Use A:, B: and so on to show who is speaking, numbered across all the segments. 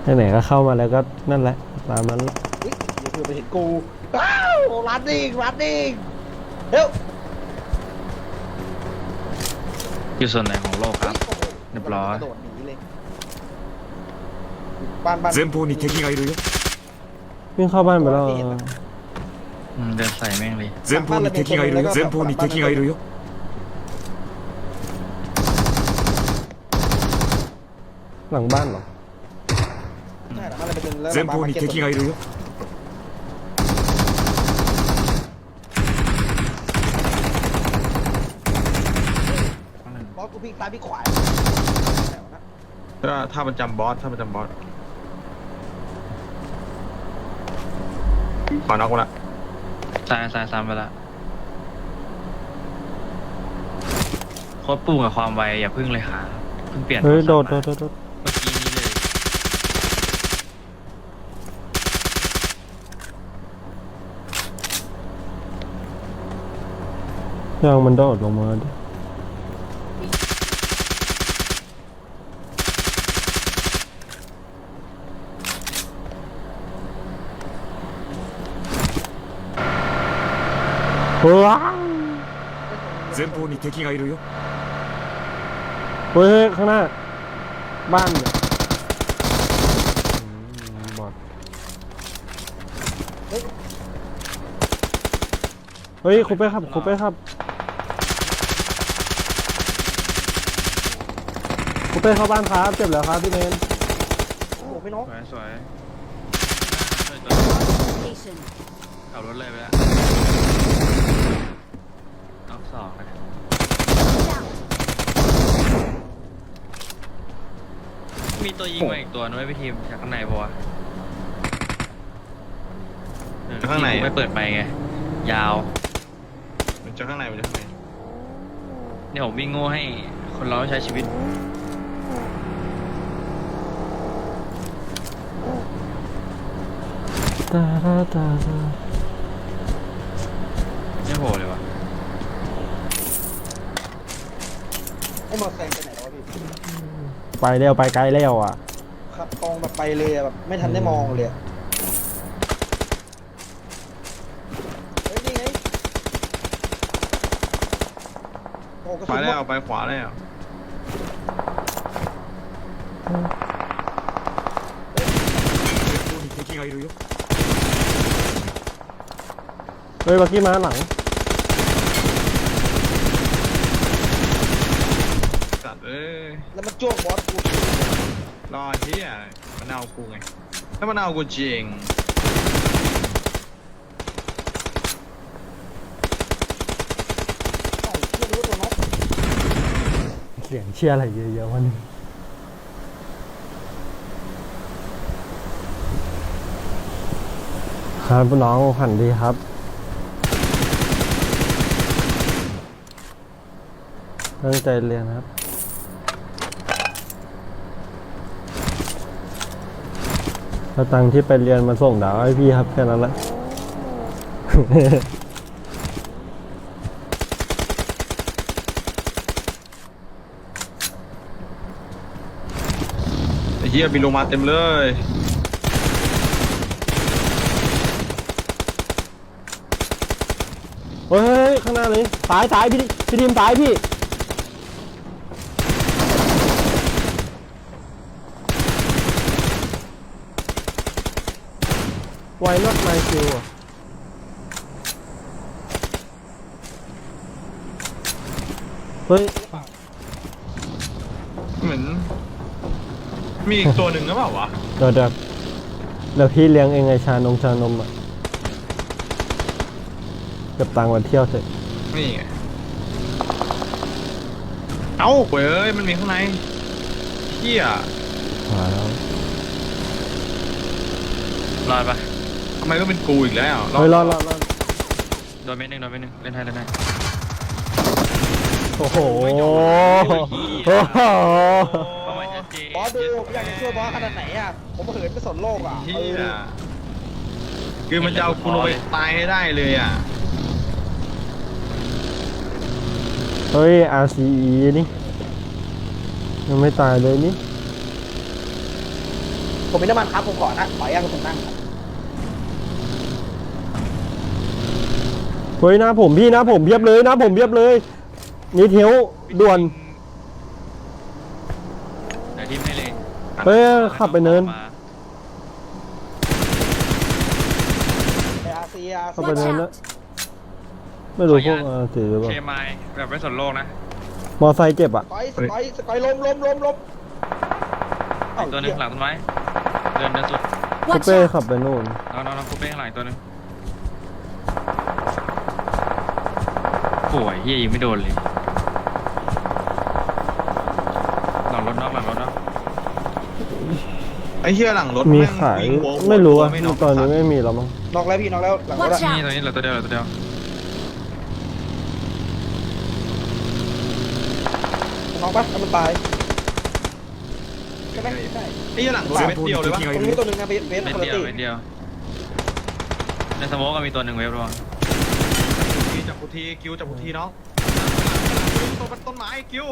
A: ไหนๆก็เข้ามาแล้วก็นั่นแหละตามนั้นแหละ
B: เฮ้ยเดี๋ยวเพื่อนไปเห็นกูอ้าวรันดิ้งเร็ว
C: อยู่ส่วนไหนของโลกครับ
B: โอ้โห
C: เรียบร้อย
B: กระโดดหนีเลยบ้าน
D: 前方に敵がいるよ
A: วิ่งเข้าบ้านไปแล้ว
C: เดินใส่แม่งเลย
D: 前方に敵がいるよ前方に敵がいるよ
A: หลังบ้านเหรอ
B: ใช่เหรอมันเลยไปดึงแล้ว
D: 前方に敵がいるよ
B: บอสกูพลิกซ้ายพลิกขวา
E: ถ้ามันจำบอสขอน็อกมาละ
C: ซ้ายซ้ำไปละโคตรปุ่งกับความไวอย่าพึ่งเลยค่ะเพิ่งเปลี่ยน
A: เฮ้ยโดด
C: เมื่อกี้นี้เลย
A: ยังมันโดดลงมาดิว้าว
D: 前方に敵がいるよ
A: เฮ้ยข้างหน้าบ้านเนี่ยบอดเฮ้ยคุปเป้ครับคุปเป้ครับคุปเป้เข้าบ้านครับเจ็บแล้วครับพี่เมน
B: โอ้โหไม่น็อก
C: สวยขับรถเลยไปแล้วน็อกสองนะมีตัวยิงมาอีกตัวนึงไว้พี่ทีมจากข้างในปะวะ
E: ข้างใน
C: ไม่เปิดไปไงยาว
E: มันจะข้างใน
C: เนี่ยผมวิ่งโง่ให้คนเราใช้ชีวิตไม่โหเลยวะ
B: ไอ้มอเตอร์ไซค์ไปไหนแล้ววะพี่
A: ไปเร็วไปไกลแล้วอ่ะ
B: ขับตรงแบบไปเลยอะแบบไม่ทันได้มองเลยอะเฮ้ยนี่ไงโอ้กระ
E: ไป
B: สุนหม
E: แล้ว
B: ด
E: ไปขวาแล้ว
D: 前方に敵がいるよ
A: เฮ้ยบักกี้มาหลัง
E: สัตว์เอ้ย
B: แล้วมันจ้วงบอสกู
E: รอเฮียมันเอากูไงถ้ามันเอากูจริง
B: ใส่เชื่อรู้ว่าตัวน็อก
A: เสียงเชียร์อะไรเยอะๆวันนี้ครับน้องผันดีครับตั้งใจเรียนครับถ้าตังค์ที่ไปเรียนมาส่งดาวให้พี่ครับแค่นั้นแหละ
E: ไอ้เฮียบินลงมาเต็มเลย
A: เฮ้ยข้างหน้าเลยตายพี่ทีมตายพี่ไวน็อตไมคิวอ่ะเฮ้ย
E: เหมือนมีอีกตัวหนึ่งหรือเปล่าวะ
A: เดี๋ยวพี่เลี้ยงเองไงชานมอ่ะเก็บตังค์วันเที่ยวเสร็จ
E: นี่ไงเอ้าเว้ยมันมีข้างในเฮีย
A: มาแล้ว
C: รอดปะ
E: ทำไมต้องเป็นกูอีกแล้ว
A: เฮ้ยรอด
C: โดนเม็ดหนึ่งเล่นให้
A: โอ้โห
C: เป้าหมายชัดเจน
B: บอสดูอยากจะช่วยบอสขนาดไหนอะผมเหินไปสนโลกอะ
E: เฮียคือมันจะเอากูลงไปตายให้ได้เลยอ่ะ
A: เฮ้ย RCE นี่ยังไม่ตายเลยนี่
B: ผมมีน้ำมันครับผมขอนะขออย่างผมนั่งครับ
A: เฮ้ยหน้าผมพี่หน้าผมเพียบเลยหน้าผมเพียบเลยนี่เทวด่วน
C: เดี๋ยวทีมให้เลย
A: เฮ้ยขับไปเนิน
C: มา
B: ไออาร์ซีอาร์
A: เข้า
B: ซี
A: ไปเนินแล้วไม่รู้พวกสีหรือเปล่า
C: เคมายแบบไม่สนโลกนะ
A: มอไซค์เจ็บอ่ะ
B: สกอยล้ม
C: อีกตัวหนึงหลังต้นไม้เดินสุด
A: คูเป้ขับไปนู่น
C: น้องคูเป้ข้างหลังอีกตัวหนึงโอ้ยเฮียยิงไม่โดนเลยหลังรถนอก
E: ไอ้เหี้ยหลังรถ
A: มี
E: แง
A: ขาย
E: วิ่งหัว
A: ไม่รู้อ่ะ
E: ไม่น็อก
A: ตอนนี้ไม่มีแล้วมั้ง
B: นอกแล้วพี่นอกแล้วหลังรถ
F: Watch
C: นี่
F: out!
C: ตัวนี้เหลือตัวเดียว
B: น้องปะถ้ามันตายใช่ไหมใช่
E: ไอ้เหี้ยหลังรถ
D: 前
E: เม็ด
D: 方
E: เดี
D: に
E: ยวเลย
D: 敵
E: วะ
D: が
B: ต
D: い
B: รง
D: る
B: นี้
D: よ
B: ตัวหนึ่งนะเบส
C: เม็ด
B: คนละ
C: เดียว
B: ตี
C: เม็ดเดียวในสโมกก็มีตัวหนึ่งเวฟระวัง
E: จับกูทีกิ้วจับกูทีน้องต้นไม้กิ้ว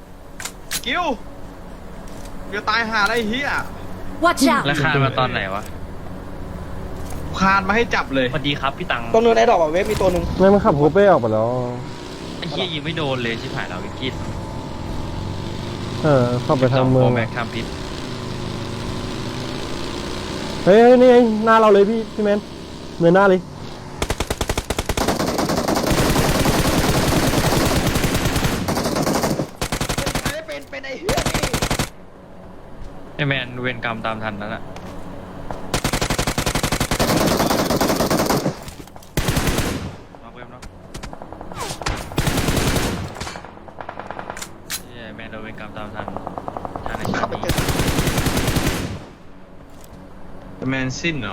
E: เดี๋ยวตายหาอะไรเหี้ย
F: Watch
C: แล้ว
F: out!
C: คานมาตอนไหนวะ
E: คานมาให้จับเลย
C: สวัสดีครับพี่ตัง
B: ตรงเนินไอ้ดอกอะเวฟมีตัวหนึ่ง
A: ไม่มันขับคูเป้ออกไปแล้ว
C: ไอ้เฮียยิงไม่โดนเลยชิบหายแล้ววิกฤต
A: ขับไปทางเมือง
C: แม็กทำพิษ
A: เฮ้ยนี่ไงหน้าเราเลยพี่แมนเนินหน้าเลย
B: เป็นไอ้เหี้ยนี่
C: ไอแมนเวรกรรมตามทันนั่นแหละมาเพิ่มเนาะเฮียแมนโดนเวรกรรมตามทันทันใน
B: ขั
C: ชา
B: บไป
C: ติ
B: เจ
C: นี้
B: อ
E: แมนซินเหรอ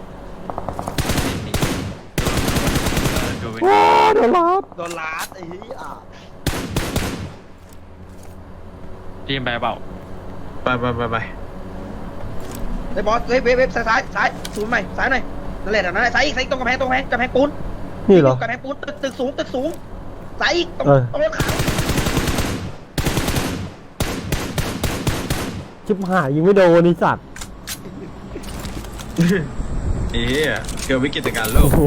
C: โดนเวร
A: ว้าเดี๋ยวรับ
B: โดนลาดไอ้เหี้ย
C: ทีมไปเปล่า
E: ไป
B: ไอ้บอสเวฟซ้ายศูนย์ใหม่ซ้ายหน่อยนั่นแหละนั่นแหละซ้ายอีกตรงกำแพงปูน
A: นี่เหรอก
B: ำแพงปูนตึกสูงซ้ายอีกตรงรถขาว
A: ชิบหายยิงไม่โดนนี่สัตว์
E: เอ๊ะเกิดวิกฤตการณ์โลก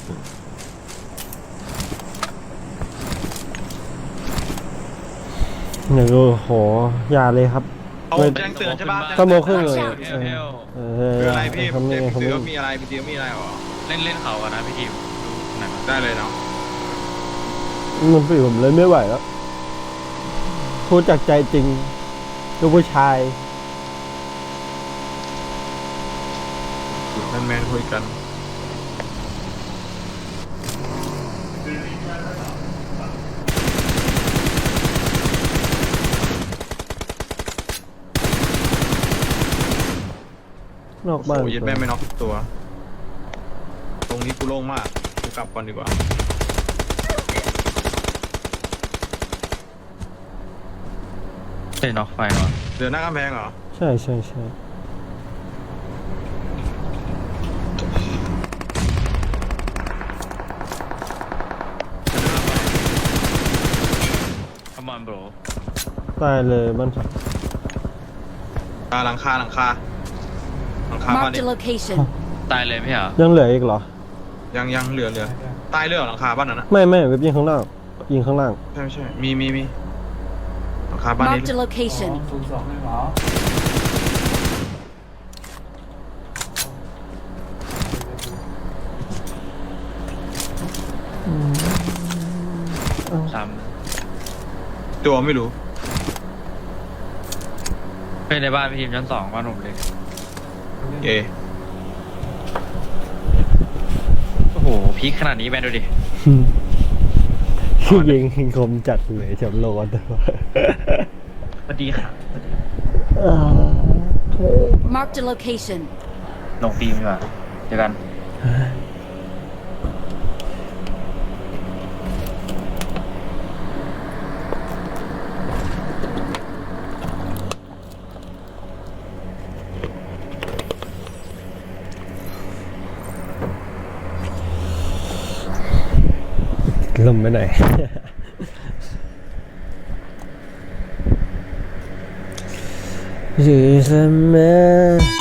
A: อย่างโอ้โหอย่าเลยครับ
E: เอาแจ้งเตือนใช่ปะ
A: สโมครึ่งเลย
E: คืออะไรพี่
A: เขาไม่
E: พี่
A: เขา
E: ตื
A: ไม่
E: อมีอะไรพี่ตือมีอะไรหรอ
C: เล่นเขากันนะพี่ทีมไหนมา
E: ได้เลยเนาะ
A: มันฝีผมเลยไม่ไหวแล้วพูดจากใจจริงลูกผู้ชาย
E: แมนคุยกัน
A: นอกบ้าน
E: โอ้ยแม่ไม่น็อกตัว ตรงนี้กูโล่งมากกูกลับก่อนดีกว่า
C: เล่นน็อกไฟวะ
E: เดือนหน้ากำแพงเหรอ
A: ใช่
C: คอมมอนโบร
A: ตายเลยบ้านฉัน
E: หลังคาบ้าน
F: Marked
E: นี้
F: a location.
C: ตายเลยไม่เหรอ
A: ยังเหลืออีกเหรอ
E: ยังเหลือตายเรื่องหลังคาบ้านนั้นนะ
A: ไม่เว็บยิงข้างล่างยิงข้างล่าง
E: ใช่มีหลังคาบ้านนี้
F: Marked a location.
C: ซ้
E: ตัวไม่รู้
C: ำเป็นในบ้านพี่ทีมชั้น2บ้านผมเลย
E: เอ
C: โอ้โหพีคขนาดนี้แมนดูดิ
A: ยิงคมจัดเลยแชมป์โลก
C: สวัสดีครับ
F: Marked a location.
C: ลงทีมดีกว่าเจอกัน
A: ลมไปไหน 是什么